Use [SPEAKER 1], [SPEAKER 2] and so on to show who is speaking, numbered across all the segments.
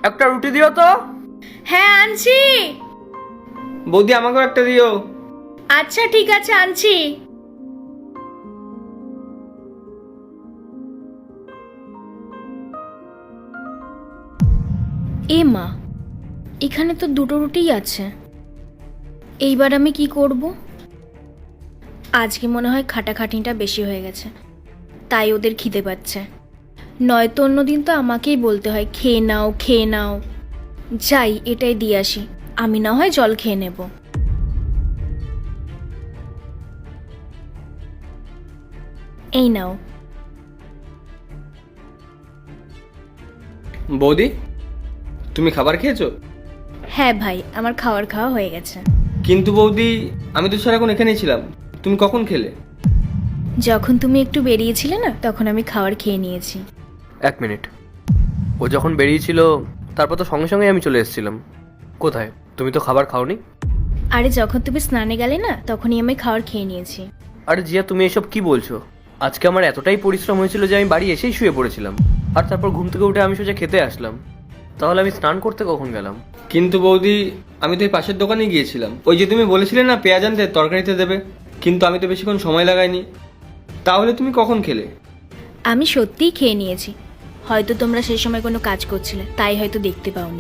[SPEAKER 1] একটা রুটি দিও তো।
[SPEAKER 2] হ্যাঁ আনছি।
[SPEAKER 1] বৌদি আমাকেও একটা দিও।
[SPEAKER 2] আচ্ছা ঠিক আছে আনছি। এ মা, এখানে তো দুটো রুটিই আছে। এইবার আমি কি করব? আজকে মনে হয় খাটাখাটনিটা বেশি হয়ে গেছে, তাই ওদের খিদে পাচ্ছে। নয়তো অন্যদিন তো আমাকেই বলতে হয় খেয়ে নাও খেয়ে নাও। যাই, এটাই দিয়ে আসি, আমি না হয় জল খেয়ে নেব। এই নাও।
[SPEAKER 1] বৌদি, তুমি খাবার খেয়েছো?
[SPEAKER 2] হ্যাঁ ভাই, আমার খাওয়া হয়ে গেছে।
[SPEAKER 1] কিন্তু বৌদি, আমি তো সারাক্ষণ এখানেই ছিলাম, তুমি কখন খেলে?
[SPEAKER 2] যখন তুমি একটু বেরিয়েছিলে না, তখন আমি খাবার খেয়ে নিয়েছি।
[SPEAKER 3] 1 মিনিট। ও যখন বেরিয়েছিল তারপর তো সঙ্গে সঙ্গে আমি চলে এসেছিলাম। কোথায়? তুমি তো খাবার খাওনি।
[SPEAKER 2] আরে যখন তুমি স্নানে গেলে না, তখনই আমি খাবার খেয়ে নিয়েছি।
[SPEAKER 3] আরে জিয়া, তুমি এসব কি বলছো? আজকে আমার এতটাই পরিশ্রম হয়েছিল যে আমি বাড়ি এসেই শুয়ে পড়েছিলাম, আর তারপর ঘুম থেকে উঠে আমি সোজা খেতে আসলাম। তাহলে আমি স্নান করতে কখন গেলাম?
[SPEAKER 1] কিন্তু বৌদি, আমি তো এই পাশের দোকানে গিয়েছিলাম, ওই যে তুমি বলেছিলে না পেঁয়াজ আনতে তরকারিতে দেবে, কিন্তু আমি তো বেশিক্ষণ সময় লাগাইনি। তাহলে তুমি কখন খেলে?
[SPEAKER 2] আমি সত্যিই খেয়ে নিয়েছি। হয়তো তোমরা সেই সময় কোনো কাজ করছিলে, তাই হয়তো দেখতে পাওনি।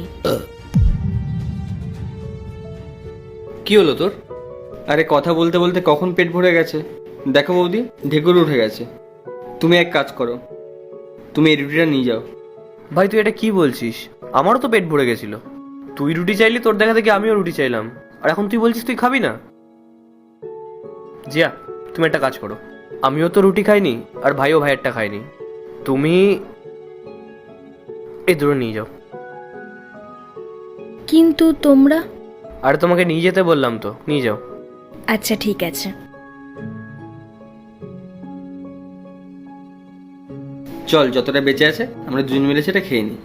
[SPEAKER 1] কি হলো তোর? আরে কথা বলতে বলতে কখন পেট ভরে গেছে। দেখো বৌদি, ঢেকুর উঠে গেছে। তুমি এক কাজ করো, তুমি এই রুটিটা নিয়ে যাও।
[SPEAKER 3] ভাই তুই এটা কি বলছিস? আমারও তো পেট ভরে গেছিল। তুই রুটি চাইলি, তোর দেখা দেখি আমিও রুটি চাইলাম, আর এখন তুই বলছিস তুই খাবি না। জিয়া, তুমি একটা কাজ করো, আমিও তো রুটি খাইনি আর ভাইও ভাইয়েরটা খাইনি, তুমি এই দূরে নিয়ে যাও।
[SPEAKER 2] কিন্তু তোমরা?
[SPEAKER 3] আরে তোমাকে নিয়ে যেতে বললাম তো, নিয়ে যাও।
[SPEAKER 2] আচ্ছা ঠিক আছে।
[SPEAKER 1] চল, যতটা বেঁচে আছে আমরা দুজন মিলে সেটা খেয়ে নিই।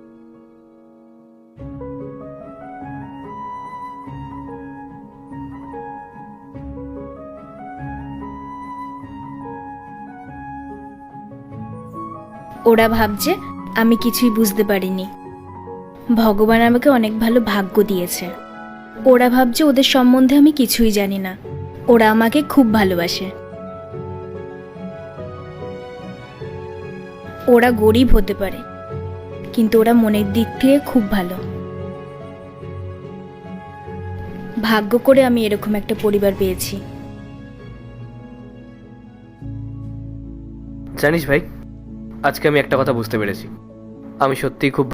[SPEAKER 2] ওরা ভাবছে আমি কিছুই বুঝতে পারিনি। ভগবান আমাকে অনেক ভালো ভাগ্য দিয়েছে। ওরা ভাবছে ওদের সম্বন্ধে আমি কিছুই জানি না। ওরা আমাকে খুব ভালোবাসে। ওরা গরিব হতে পারে, কিন্তু ওরা মনের দিক থেকে খুব ভালো। ভাগ্য করে আমি এরকম একটা পরিবার পেয়েছি।
[SPEAKER 3] জানিস ভাই, আজকে আমি একটা কথা বুঝতে পেরেছি। আমি সত্যিই খুব